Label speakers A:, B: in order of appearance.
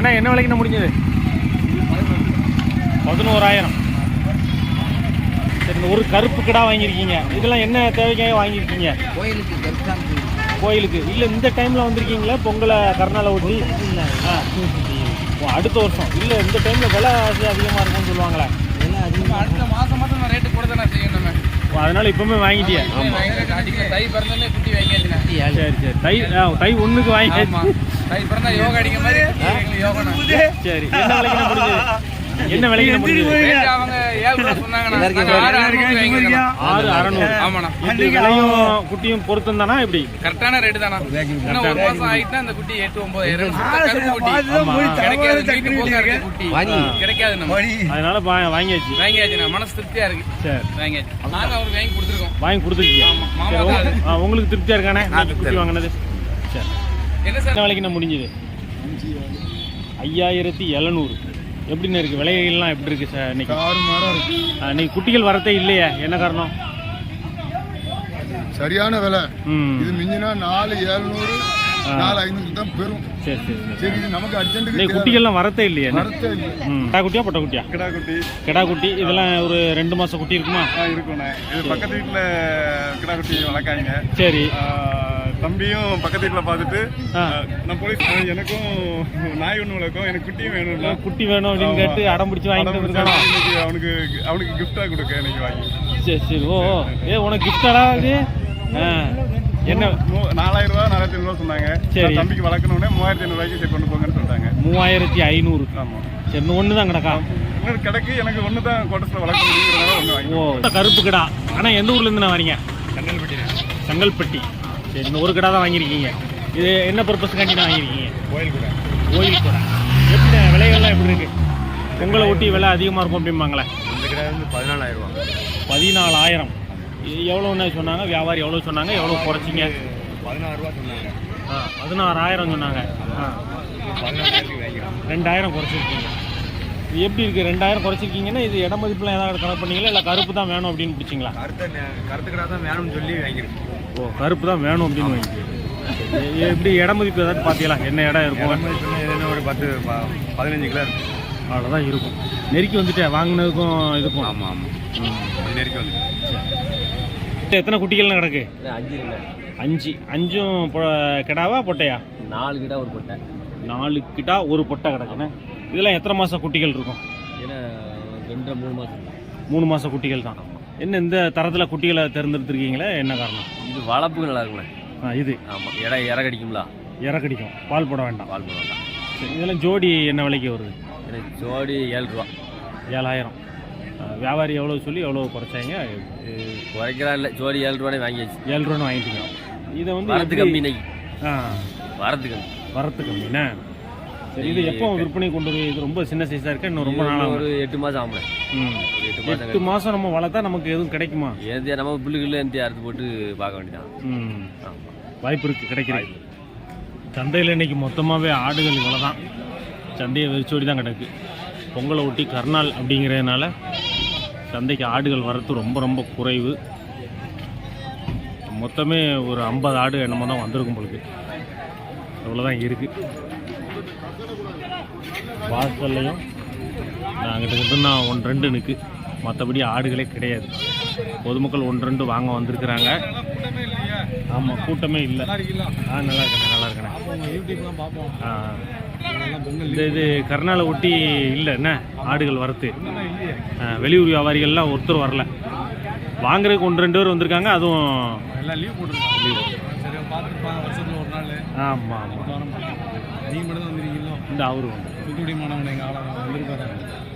A: அண்ணா என்ன விலைக்குண்ணா முடிஞ்சது? 11,000. சரி, ஒரு கருப்பு கிடா வாங்கியிருக்கீங்க. இதெல்லாம் என்ன தேவைக்காக வாங்கியிருக்கீங்க? கோயிலுக்கு இல்லை, இந்த டைமில் வந்திருக்கீங்களா? பொங்கலை கருநாளை ஒட்டி? அடுத்த வருஷம் இல்லை, இந்த டைமில் விலை அதிகமாக இருக்கும்னு சொல்லுவாங்களே.
B: அடுத்த மாதம் மட்டும் நான் ரேட்டு கூட தானே செய்யணும்.
A: அதனால இப்பவுமே வாங்கிட்டியா?
B: தை பிறந்தாலே குட்டி வாங்கியாச்சுண்ணா.
A: சரி சரி, தை 1க்கு வாங்கியாச்சு.
B: தை பிறந்தா யோகா அடிக்க மாதிரி யோகா. சரி,
A: என்ன விலைக்கு முடிஞ்சது? என்ன விலைக்கு முடிஞ்சது?
B: அவங்க 7 ரூபா சொன்னாங்கண்ணா.
A: 6,600.
B: ஆமாண்ணா.
A: விலையும் குட்டியும் பொருத்தம் தானா? இப்படி
B: கரெக்டான ரேட்டு தானா? இன்னும் 1 மாசம் ஆயிட்டா அந்த குட்டி 8,900 கருப்பு குட்டி கிடைக்காது. குட்டி கிடைக்காது நம்ம.
A: அதனால வாங்கியாச்சுண்ணா.
B: மனசு திருப்தியா இருக்கு.
A: சரி,
B: வாங்கியாச்சு. நாங்க அவருக்கு வாங்கி கொடுத்துருக்கோம்.
A: வாங்கி கொடுத்துருக்கீங்க. உங்களுக்கு திருப்தியா இருக்கானே குட்டி வாங்கினது? சரி,
B: என்ன சார்
A: விலைக்கு முடிஞ்சது? 5,700. எப்படின்னு இருக்கு விலைகள்லாம்? எப்படி இருக்கு சார் இன்னைக்கு? இன்னைக்கு குட்டிகள் வரதே இல்லையா? என்ன காரணம்?
C: சரியான விலை. இது மிஞ்சினா 4,700 4,500 தான் பெரும்.
A: சரி சரி
C: சரி, நமக்கு அர்ஜென்ட்டுக்கு
A: குட்டிகள்லாம் வரதே இல்லையா?
C: வரதே இல்லை.
A: கிடா குட்டியா பொட்டை குட்டியா? கிடா குட்டி. இதெல்லாம் ஒரு 2 மாசம் குட்டி இருக்குமா?
D: இருக்குண்ணே. இது பக்கத்து வீட்டில் கிடா குட்டி வளர்க்காங்க.
A: சரி,
D: தம்பியும் பக்கத்து வீட்டில் பார்த்துட்டு நான் போலீஸ் எனக்கும் நாய் ஒன்று வளர்க்கும், எனக்கு குட்டியும் வேணும்ல.
A: குட்டி வேணும் அப்படின்னு கேட்டு அடம் பிடிச்சி வாங்கிட்டு வந்துருக்கானோ?
D: அவனுக்கு கிஃப்டாக கொடுக்க இன்னைக்கு வாங்கி.
A: சரி சரி. ஓ, உனக்கு கிஃப்டாடா இது? என்ன
D: 4,000 ரூபா 4,500 சொன்னாங்க. சரி, தம்பிக்கு வளர்க்கணுன்னே 3,500 சரி கொண்டு போங்கன்னு சொல்லிட்டாங்க.
A: 3,500.
D: ஆமாம்.
A: சரி, இன்னும் ஒன்று தான் கிடக்கா?
D: இன்னொரு கிடக்கு. எனக்கு ஒன்று தான் கோட்டத்தில் வளர்க்க முடியுங்கிறதால ஒன்று வாங்கி.
A: ஓ, கருப்பு கிடா. ஆனால் எந்த ஊர்லேருந்து நான் வரீங்க?
D: செங்கல்பட்டி.
A: செங்கல்பட்டி. சரி, இந்த ஒரு கிடா தான் வாங்கியிருக்கீங்க. இது என்ன பர்பஸ்க்காண்டி தான் வாங்கியிருக்கீங்க?
D: கோயில் கூட.
A: எப்படி விலைகள்லாம் எப்படி இருக்கு? பொங்கலை ஒட்டி விலை அதிகமாக இருக்கும் அப்படிம்பாங்களே.
D: இந்த கிடா வந்து 14,000 ரூபா.
A: 14,000. எவ்வளோன்னு சொன்னாங்க? வியாபாரி எவ்வளோ சொன்னாங்க? எவ்வளோ குறைச்சிங்க?
D: 16 ரூபா சொன்னாங்க.
A: 16,000 சொன்னாங்க.
D: 14,000 வாங்கிக்கிறோம்.
A: 2,000 குறைச்சிருக்கீங்க. இது எப்படி இருக்குது? 2,000 குறைச்சிருக்கீங்கன்னா இது இட மதிப்புலாம் ஏதாவது கணக்கு பண்ணீங்களா? இல்லை கருப்பு தான் வேணும் அப்படின்னு பிடிச்சிங்களா?
D: கருத்து கிடா தான் வேணும்னு சொல்லி வாங்கிக்கிறேன்.
A: ஓ, கருப்பு தான் வேணும் அப்படின்னு வாங்கிக்கிறேன். எப்படி இட மதிப்பு ஏதாவது பார்த்தீங்களா? என்ன இடம் இருக்கும்?
D: ஒரு 10-15 கிலோ இருக்கும்.
A: அவ்வளோதான் இருக்கும். நெருக்கி வந்துட்டேன் வாங்கினதுக்கும் இதுக்கும்.
D: ஆமாம் ஆமாம், நெருக்கி வந்து.
A: எத்தனை குட்டிகள்லாம் கிடக்கு?
E: 5.
A: 5 கிடாவா பொட்டையா?
E: 4 கிடா ஒரு பொட்டை.
A: 4 கிடா ஒரு பொட்டை கிடக்குண்ணே. இதெல்லாம் எத்தனை மாதம் குட்டிகள் இருக்கும்?
E: ஏன்னா 2-3 மாதம்.
A: 3 மாதம் குட்டிகள் தான். என்ன இந்த தரத்தில் குட்டிகளை தேர்ந்தெடுத்துருக்கீங்களா? என்ன காரணம்?
E: இது வளர்ப்புக்கு நல்லா இருக்குண்ணே.
A: இது
E: ஆமாம், இற கடிக்கும்ல.
A: இற கடிக்கும். பால் போட வேண்டாம்.
E: பால் போட வேண்டாம்.
A: சரி, இதெல்லாம் ஜோடி என்ன விலைக்கு வருது?
E: எனக்கு ஜோடி 7 ரூபா.
A: 7,000. வியாபாரி எவ்வளோ சொல்லி எவ்வளோ குறைச்சாங்க?
E: குறைக்கிறா இல்லை, ஜோடி 7 ரூபானே வாங்கியாச்சு.
A: 7 ரூபான்னு வாங்கிட்டீங்க. இதை வந்து
E: வரத்து கம்மி இன்னைக்கு. வரத்து
A: கம்மிண்ணே. சரி, இது எப்போ விற்பனை கொண்டு வருது? இது ரொம்ப சின்ன சைஸாக இருக்கா? இன்னும் ரொம்ப நாளாக?
E: ஒரு 8 மாதம் ஆகல.
A: 8 மாதம் நம்ம வளர்த்தா நமக்கு எதுவும் கிடைக்குமா?
E: ஏந்தியா நம்ம புல்லுக்குள்ள அறுத்து போட்டு பார்க்க வேண்டியதான்.
A: வாய்ப்பு இருக்குது, கிடைக்கிறது. சந்தையில் இன்னைக்கு மொத்தமாகவே ஆடுகள் இவ்வளோ தான். சந்தையை வெறிச்சோடி தான் கிடக்கு. பொங்கலை ஒட்டி கருநாள் அப்படிங்கிறதுனால சந்தைக்கு ஆடுகள் வரத்து ரொம்ப ரொம்ப குறைவு. மொத்தமே ஒரு 50 ஆடு என்னமோ தான் வந்திருக்கும் பொழுது. அவ்வளோதான் இருக்குது. வாசல்லையும் நாங்கிட்ட நான் 1-2 நிற்கு. மற்றபடி ஆடுகளே கிடையாது. பொதுமக்கள் 1-2 வாங்க வந்திருக்கிறாங்க. ஆமாம், கூட்டமே இல்லை. நல்லா இருக்கேண்ணே. இது கருநாளை ஒட்டி இல்லை என்ன ஆடுகள் வரத்து? வெளியூர் வியாபாரிகள்லாம் ஒருத்தர் வரல. வாங்குறதுக்கு 1-2 பேர் வந்திருக்காங்க. அதுவும்
D: எல்லாம் லீவ் போட்டுருக்காங்க. வருஷத்தில் ஒரு நாள்.
A: ஆமாம்.
D: நீங்கள் மட்டும் தான் வந்துருக்கீங்களோ?
A: இந்த அவரு
D: தூத்துக்குடி மாணவன் எங்கள் ஆளாக வந்திருக்காரு.